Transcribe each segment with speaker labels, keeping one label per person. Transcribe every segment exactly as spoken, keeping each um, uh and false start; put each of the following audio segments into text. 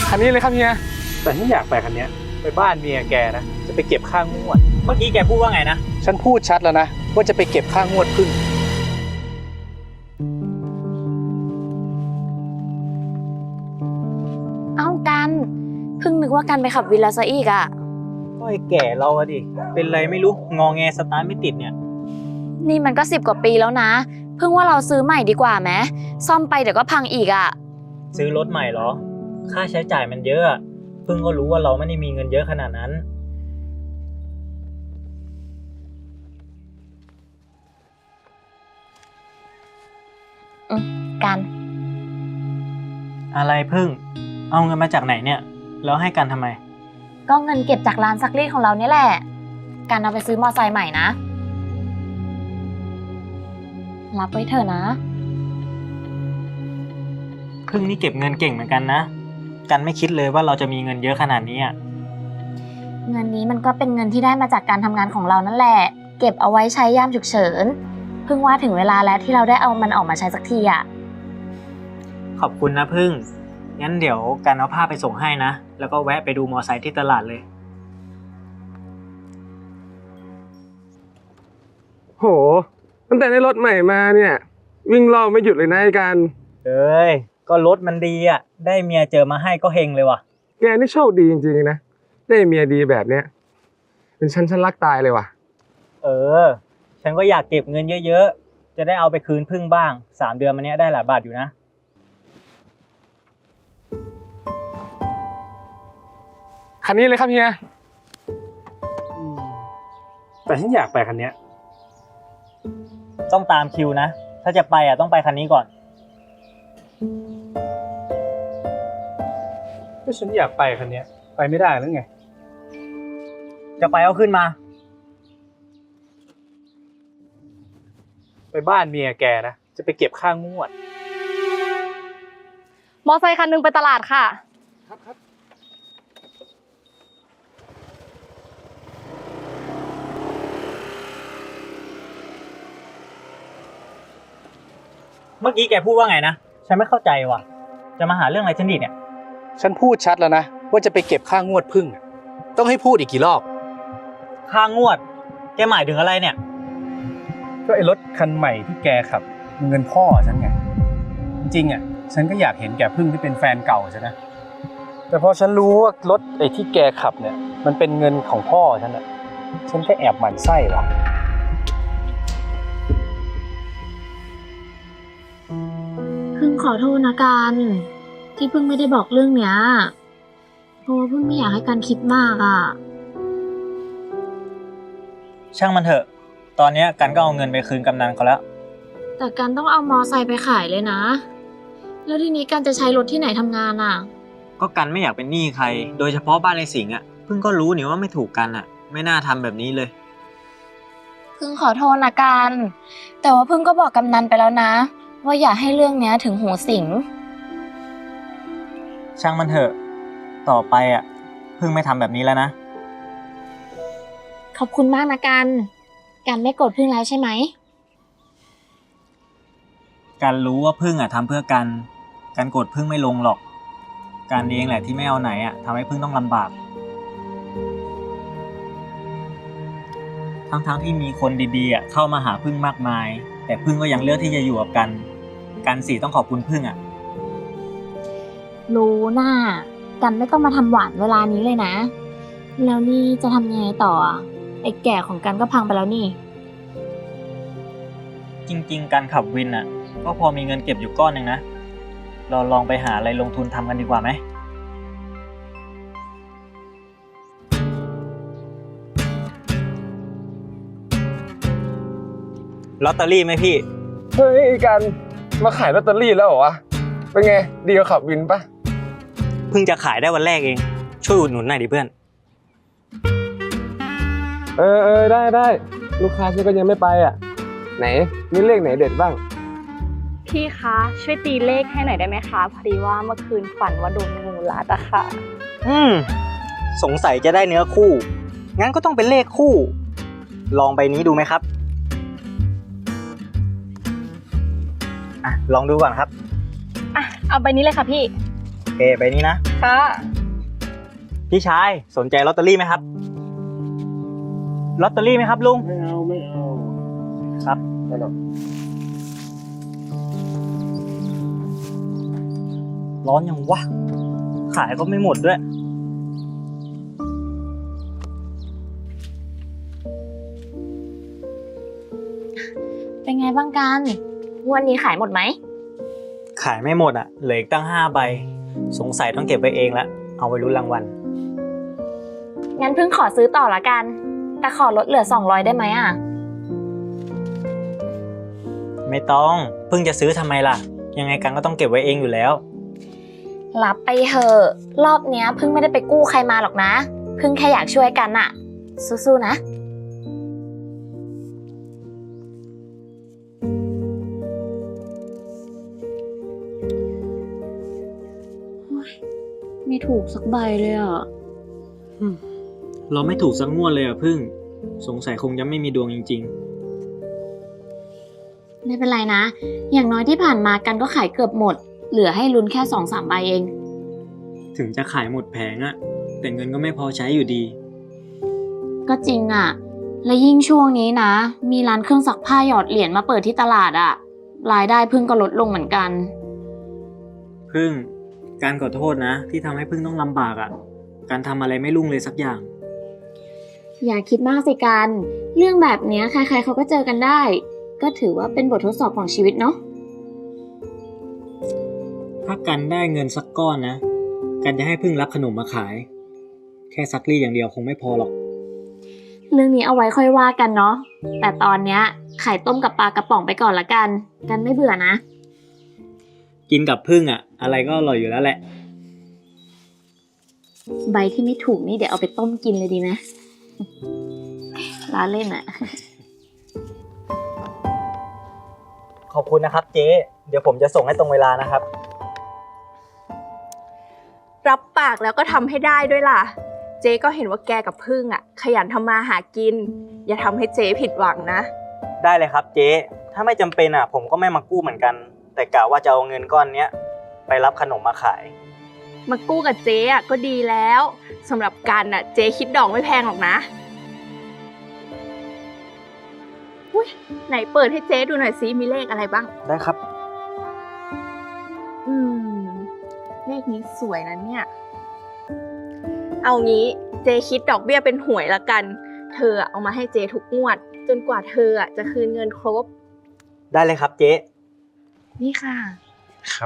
Speaker 1: คันนี้เลยครับเฮียแต่ฉันอยากไปคันนี้ไปบ้านเมียแกนะจะไปเก็บค่างวด
Speaker 2: เมื่อกี้แกพูดว่าไงนะ
Speaker 1: ฉันพูดชัดแล้วนะว่าจะไปเก็บค่างวดพึ่ง
Speaker 3: เอ้ากันเพิ่งนึกว่ากันไปขับวินแล้วซะอีกอะ
Speaker 2: ก็ไอ้แก่เราอะดิเป็นไรไม่รู้งอแงสตาร์ทไม่ติดเนี่ย
Speaker 3: นี่มันก็สิบกว่าปีแล้วนะเพิ่งว่าเราซื้อใหม่ดีกว่าไหมซ่อมไปเดี๋ยวก็พังอีกอะ
Speaker 2: ซื้อรถใหม่เหรอค่าใช้จ่ายมันเยอะเพิ่งก็รู้ว่าเราไม่ได้มีเงินเยอะขนาดนั้น
Speaker 3: อืมกัน
Speaker 2: อะไรเพิ่งเอาเงินมาจากไหนเนี่ยแล้วให้กันทำไม
Speaker 3: ก็เงินเก็บจากร้านซักรีดของเราเนี่ยแหละกันเอาไปซื้อมอไซค์ใหม่นะรับไว้เถอะนะ
Speaker 2: พึ่งนี่เก็บเงินเก่งเหมือนกันนะกันไม่คิดเลยว่าเราจะมีเงินเยอะขนาดนี้อ่ะ
Speaker 3: เงินนี้มันก็เป็นเงินที่ได้มาจากการทำงานของเรานั่นแหละเก็บเอาไว้ใช้ยามฉุกเฉินเพิ่งว่าถึงเวลาแล้วที่เราได้เอามันออกมาใช้สักทีอ่ะ
Speaker 2: ขอบคุณนะพึ่งงั้นเดี๋ยวกันเอาผ้าไปส่งให้นะแล้วก็แวะไปดูมอไซค์ที่ตลาดเลย
Speaker 1: โหตั้งแต่ได้รถใหม่มาเนี่ยวิ่งรอบไม่หยุดเลยนะไอ้การ
Speaker 2: เอ้ยก็รถมันดีอ่ะได้เมียเจอมาให้ก็เฮงเลยว่ะ
Speaker 1: แกนี่โชคดีจริงๆนะได้เมียดีแบบเนี้ยเป็นฉันฉันรักตายเลยว่ะ
Speaker 2: เออฉันก็อยากเก็บเงินเยอะๆจะได้เอาไปคืนพึ่งบ้างสามเดือนมาเนี้ยได้หลายบาทอยู่นะ
Speaker 1: คันนี้เลยครับเฮียแต่ฉันอยากไปคันนี้
Speaker 2: ต้องตามคิวนะถ้าจะไปอ่ะต้องไปคันนี้ก่อน
Speaker 1: ก็ฉันอยากไปคันนี้ไปไม่ได้หรือไง
Speaker 2: จะไปเอาขึ้นมา
Speaker 1: ไปบ้านเมียแกนะจะไปเก็บค่างวด
Speaker 3: มอไซค์คันนึงไปตลาดค่ะ
Speaker 1: ครับครับ
Speaker 2: เมื่อกี้แกพูดว่าไงนะฉันไม่เข้าใจว่ะจะมาหาเรื่องอะไรฉันดิเนี่ย
Speaker 1: ฉันพูดชัดแล้วนะว่าจะไปเก็บค่างวดพึ่งต้องให้พูดอีกกี่รอบ
Speaker 2: ค่างวดแกหมายถึงอะไรเนี่ย
Speaker 1: ก็ไอ้รถคันใหม่ที่แกขับเงินพ่อฉันไงจริงๆอ่ะฉันก็อยากเห็นแกพึ่งที่เป็นแฟนเก่าใช่ไหมแต่พอฉันรู้ว่ารถไอ้ที่แกขับเนี่ยมันเป็นเงินของพ่อฉันอ่ะฉันก็แอบหมั่นไส้ว่ะ
Speaker 3: พึ่งขอโทษนะกันที่พึ่งไม่ได้บอกเรื่องเนี้ยเพราะว่าพึ่งไม่อยากให้กันคิดมากอ่ะ
Speaker 2: ช่างมันเถอะตอนนี้กันก็เอาเงินไปคืนกำนันเขาแล้ว
Speaker 3: แต่กันต้องเอามอไซค์ไปขายเลยนะแล้วทีนี้กันจะใช้รถที่ไหนทำงานอ่ะ
Speaker 2: ก็กันไม่อยากเป็นหนี้ใครโดยเฉพาะบ้านในสิงห์อ่ะเพิ่งก็รู้นี่ว่าไม่ถูกกันอ่ะไม่น่าทำแบบนี้เลย
Speaker 3: พึ่งขอโทษนะกันแต่ว่าพึ่งก็บอกกำนันไปแล้วนะว่าอย่าให้เรื่องเนี้ยถึงหูสิงห์
Speaker 2: ช่างมันเถอะต่อไปอ่ะพึ่งไม่ทำแบบนี้แล้วนะ
Speaker 3: ขอบคุณมากนะกันกันไม่โกรธพึ่งแล้วใช่ไหม
Speaker 2: การรู้ว่าพึ่งอ่ะทำเพื่อกันการโกรธพึ่งไม่ลงหรอกการเองแหละที่ไม่เอาไหนอ่ะทำให้พึ่งต้องลำบากทั้งๆที่มีคนดีๆอ่ะเข้ามาหาพึ่งมากมายแต่พึ่งก็ยังเลือกที่จะอยู่กับกันกันสิต้องขอบคุณพึ่งอ่ะ
Speaker 3: รู้น่ากันไม่ต้องมาทำหวานเวลานี้เลยนะแล้วนี่จะทำยังไงต่อไอ้แก่ของกันก็พังไปแล้วนี่
Speaker 2: จริงๆการขับวินอ่ะก็พอมีเงินเก็บอยู่ก้อนหนึ่งนะเราลองไปหาอะไรลงทุนทำกันดีกว่าไหมลอตเตอรี่ไหมพี่
Speaker 1: เฮ้ยกันมาขายลอตเตอรี่แล้วเหรอวะเป็นไงดีกว่าขับวินปะ
Speaker 2: เพิ่งจะขายได้วันแรกเองช่วยอุดหนุนหน่อยดิเพื่อน
Speaker 1: เออเออได้ได้ลูกค้าฉันก็ยังไม่ไปอ่ะไหนมีเลขไหนเด็ดบ้าง
Speaker 4: พี่คะช่วยตีเลขให้หน่อยได้ไหมคะพอดีว่าเมื่อคืนฝันว่าโดนงูรัดอะค่ะ
Speaker 2: อืมสงสัยจะได้เนื้อคู่งั้นก็ต้องเป็นเลขคู่ลองใบนี้ดูไหมครับอ่ะลองดูก่อนครับ
Speaker 4: อ่ะเอาใบนี้เลยค่ะพี่
Speaker 2: เคใบนี้นะ
Speaker 4: ค่ะ
Speaker 2: พี่ชายสนใจลอตเตอรี่ไหมครับลอตเตอรี่ไหมครับลุง
Speaker 1: ไม่เอาไม่เอา
Speaker 2: ครับ
Speaker 1: ไม่หรอก
Speaker 2: ร้อนยังวะขายก็ไม่หมดด้วย
Speaker 3: เป็นไงบ้างกันงวันนี้ขายหมดไหม
Speaker 2: ขายไม่หมดอ่ะเหลืออีกตั้งห้าใบสงสัยต้องเก็บไว้เองละเอาไว้ลุ้นรางวัล
Speaker 3: งั้นเพิ่งขอซื้อต่อละกัน แต่ขอลดเหลือสองร้อยได้ไหมอ่ะ
Speaker 2: ไม่ต้องเพิ่งจะซื้อทำไมล่ะยังไงกันก็ต้องเก็บไว้เองอยู่แล้ว
Speaker 3: รับไปเถอะรอบเนี้ยเพิ่งไม่ได้ไปกู้ใครมาหรอกนะ เพิ่งแค่อยากช่วยกันอะสู้ๆนะ
Speaker 4: ไม่ถูกสักใบเลยอ่ะ
Speaker 2: เราไม่ถูกสักงวดเลยอ่ะพึ่งสงสัยคงจะไม่มีดวงจริง
Speaker 3: ไม่เป็นไรนะ อย่างน้อยที่ผ่านมากันก็ขายเกือบหมด เหลือให้ลุ้นแค่สองสามใบเอง
Speaker 2: ๆ ถึงจะขายหมดแผงอ่ะแต่เงินก็ไม่พอใช้อยู่ดี
Speaker 3: ก็จริงอะและยิ่งช่วงนี้นะ มีร้านเครื่องซักผ้าหยอดเหรียญมาเปิดที่ตลาดอะรายได้พึ่งก็ลดลงเหมือนกัน
Speaker 2: พึ่งการขอโทษนะที่ทำให้พึ่งต้องลำบากอ่ะการทำอะไรไม่รุ่งเลยสักอย่าง
Speaker 3: อย่าคิดมากสิกันเรื่องแบบเนี้ยใครๆเขาก็เจอกันได้ ก็ถือว่าเป็นบททดสอบของชีวิตเนาะ
Speaker 2: ถ้ากันได้เงินสักก้อนนะกันจะให้พึ่งรับขนมมาขาย แค่ซักรีดอย่างเดียวคงไม่พอหรอก
Speaker 3: เรื่องนี้เอาไว้ค่อยว่ากันเนาะแต่ตอนเนี้ยไข่ต้มกับปลากระป๋องไปก่อนละกัน กันไม่เบื่อนะ
Speaker 2: กินกับพึ่งอ่ะอะไรก็อร่อยอยู่แล้วแหละ
Speaker 3: ใบที่ไม่ถูกนี่เดี๋ยวเอาไปต้มกินเลยดีไหม ร้านเล่นอะ
Speaker 2: ขอบคุณนะครับเจ๊เดี๋ยวผมจะส่งให้ตรงเวลานะครับ
Speaker 5: รับปากแล้วก็ทำให้ได้ด้วยล่ะ เจ๊ก็เห็นว่าแกกับพึ่งอ่ะ ขยันทำมาหากิน อย่าทำให้เจ๊ผิดหวังนะ
Speaker 2: ได้เลยครับเจ๊ถ้าไม่จำเป็นอ่ะผมก็ไม่มากู้เหมือนกัน แต่กะว่าจะเอาเงินก้อนเนี้ยไปรับขนมมาขาย
Speaker 5: มากู้กับเจ๊อ่ะก็ดีแล้วสำหรับกันอ่ะเจ๊คิดดอกไม่แพงหรอกนะอุ๊ยไหนเปิดให้เจ๊ดูหน่อยซิมีเลขอะไรบ้าง
Speaker 2: ได้ครับ
Speaker 5: อืมเลขนี้สวยนะเนี่ย เอางี้เจ๊คิดดอกเบี้ยเป็นหวยละกัน เธอเอามาให้เจ๊ทุกงวด จนกว่าเธอจะคืนเงินครบ
Speaker 2: ได้เลยครับเจ๊
Speaker 5: นี่ค่ะ
Speaker 1: ครับ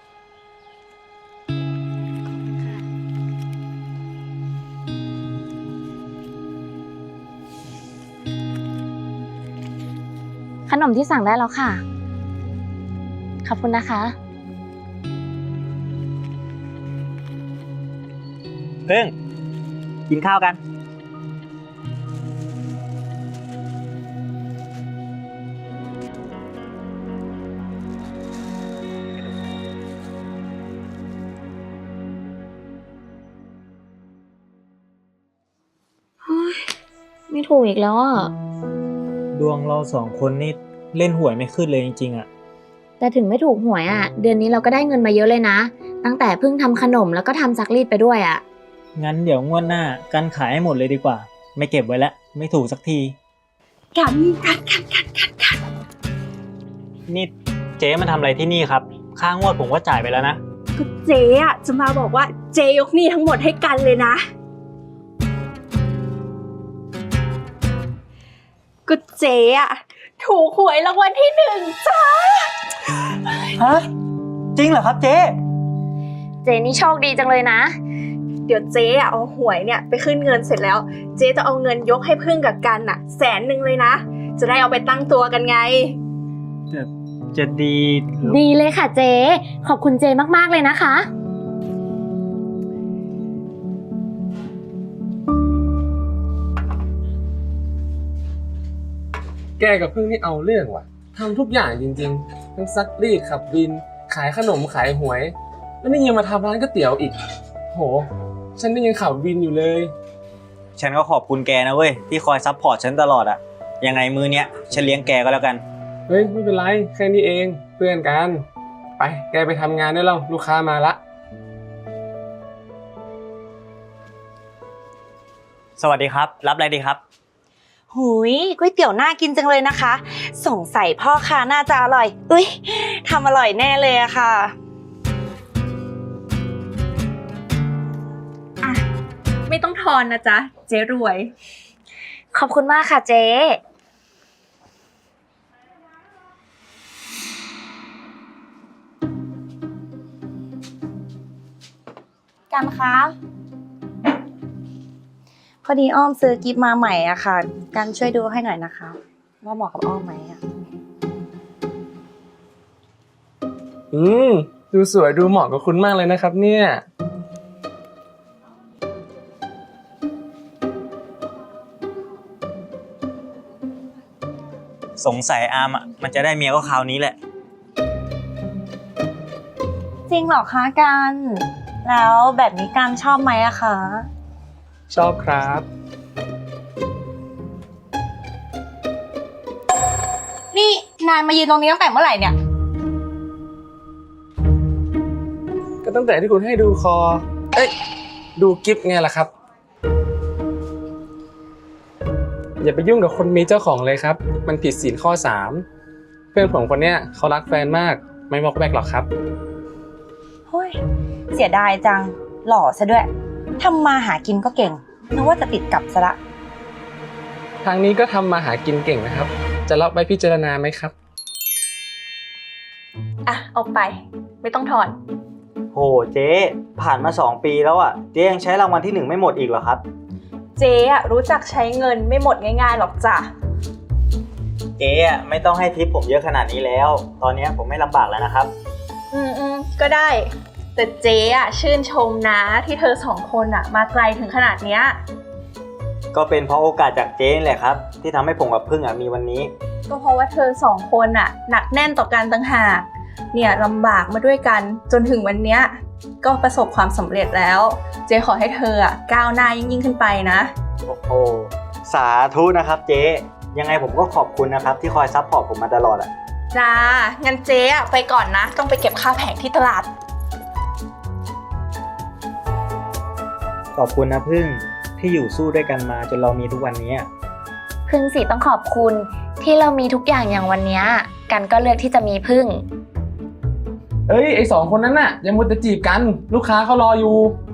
Speaker 3: ขนมที่สั่งได้แล้วค่ะ ขอบคุณนะคะ
Speaker 2: พึ่งกินข้าวกัน
Speaker 3: ไม่ถูกอีกแล้วอ่ะ
Speaker 2: ดวงเราสองคนนี่เล่นหวยไม่ขึ้นเลยจริงๆอ่ะ
Speaker 3: แต่ถึงไม่ถูกหวยอ่ะ เดือนนี้เราก็ได้เงินมาเยอะเลยนะ ตั้งแต่เพิ่งทำขนมแล้วก็ทำซักรีดไปด้วยอ่ะ
Speaker 2: งั้นเดี๋ยวงวดหน้ากันขายให้หมดเลยดีกว่า ไม่เก็บไว้แล้วไม่ถูกสักที
Speaker 5: กันกันกันกันกันกัน
Speaker 2: นี่เจ๊มาทำอะไรที่นี่ครับค่างวดผมก็จ่ายไปแล้วนะ
Speaker 5: ก็เจ๊อ่ะจะมาบอกว่าเจ๊ยกหนี้ทั้งหมดให้กันเลยนะ ก็เจ๊อ่ะถูกหวยรางวัลที่หนึ่งจ้า
Speaker 2: ฮะจริงเหรอครับเจ๊
Speaker 3: เจนี่โชคดีจังเลยนะ
Speaker 5: เดี๋ยวเจ๊อ่ะเอาหวยเนี่ยไปขึ้นเงินเสร็จแล้ว เจ๊จะเอาเงินยกให้พึ่งกับกันอ่ะแสนหนึ่งเลยนะ จะได้เอาไปตั้งตัวกันไง
Speaker 2: จะจะดีหรือ
Speaker 3: ดีเลยค่ะเจ ขอบคุณเจมากๆเลยนะคะ
Speaker 6: แกกับพึ่งนี่เอาเรื่องว่ะทำทุกอย่างจริงๆทั้งซักรีดขับวิน ขายขนมขายหวย แล้วนี่ยังมาทำร้านก๋วยเตี๋ยวอีกโหฉันนี่ยังขับวินอยู่เลย
Speaker 2: ฉันก็ขอบคุณแกนะเว้ยที่คอยซัพพอร์ตฉันตลอดอะยังไงมือเนี้ยฉันเลี้ยงแกก็แล้วกัน
Speaker 6: เฮ้ยไม่เป็นไรแค่นี้เองเพื่อนกันไปแกไปทำงานได้แล้วลูกค้ามาละ
Speaker 2: สวัสดีครับ รับอะไรดีครับ
Speaker 7: หุยก๋วยเตี๋ยวน่ากินจังเลยนะคะ สงสัยพ่อค้าน่าจะอร่อยอุ้ยทำอร่อยแน่เลยอะค่ะ
Speaker 5: ไม่ต้องทอนนะจ๊ะ เจ๊รวย
Speaker 3: ขอบคุณมากค่ะเจ๊
Speaker 7: กันคะพอดีอ้อมซื้อกิฟต์มาใหม่อะค่ะ กันช่วยดูให้หน่อยนะคะ ว่าเหมาะกับอ้อมไหมอะ
Speaker 6: อืมดูสวยดูเหมาะกับคุณมากเลยนะครับเนี่ย
Speaker 2: สงสัยอาร์มอ่ะมันจะได้เมียก็คราวนี้แหละ
Speaker 7: จริงเหรอคะกัน แล้วแบบนี้กันชอบไหมอะคะ
Speaker 6: ชอบครับ
Speaker 7: นี่นายมายืนตรงนี้ตั้งแต่เมื่อไหร่เนี่ย
Speaker 6: ก็ตั้งแต่ที่คุณให้ดูคอ เอ้ย ดูกิฟต์ไงล่ะครับ อย่าไปยุ่งกับคนมีเจ้าของเลยครับ มันผิดศีลข้อสามเพื่อนผมคนเนี้ยเขารักแฟนมาก ไม่บอกแบกหรอกครับ
Speaker 7: เฮ้ยเสียดายจังหล่อซะด้วยทำมาหากินก็เก่งนึกว่าจะติดกับซะละ
Speaker 6: ทางนี้ก็ทำมาหากินเก่งนะครับ จะรับไปพิจารณาไหมครับ
Speaker 5: อ่ะ เอาไป ไม่ต้องทอน
Speaker 2: โหเจ๊ผ่านมาสองปีแล้วอ่ะเจ๊ยังใช้รางวัลที่หนึ่งไม่หมดอีกเหรอครับ
Speaker 5: เจ๊อะรู้จักใช้เงินไม่หมดง่ายๆหรอกจ้ะ
Speaker 2: เจ๊อ่ะไม่ต้องให้ทิปผมเยอะขนาดนี้แล้ว ตอนนี้ผมไม่ลำบากแล้วนะครับ
Speaker 5: อืมอืมก็ได้ แต่เจ๊อะชื่นชมนะที่เธอสองคนอะมาไกลถึงขนาดเนี้ย
Speaker 2: ก็เป็นเพราะโอกาสจากเจ๊นี่แหละครับ ที่ทำให้ผมกับพึ่งอ่ะมีวันนี้
Speaker 5: ก็เพราะว่าเธอสองคนอะหนักแน่นต่อกันต่างหากเนี่ยลำบากมาด้วยกันจนถึงวันเนี้ยก็ประสบความสำเร็จแล้ว เจ๊ขอให้เธออะก้าวหน้ายิ่งยิ่งขึ้นไปนะ
Speaker 2: โอ้โหสาธุนะครับเจ๊ยังไงผมก็ขอบคุณนะครับที่คอยซัพพอร์ตผมมาตลอดอ่ะ
Speaker 5: จ้า งั้นเจ๊อะไปก่อนนะ ต้องไปเก็บค่าแผงที่ตลาด
Speaker 2: ขอบคุณนะพึ่งที่อยู่สู้ด้วยกันมาจนเรามีทุกวันนี้
Speaker 3: พึ่งสิต้องขอบคุณที่เรามีทุกอย่างอย่างวันเนี้ยกันก็เลือกที่จะมีพึ่ง
Speaker 6: เอ้ย ไอสองคนนั้นน่ะ ยังมัวแต่จีบกัน ลูกค้าเขารออยู่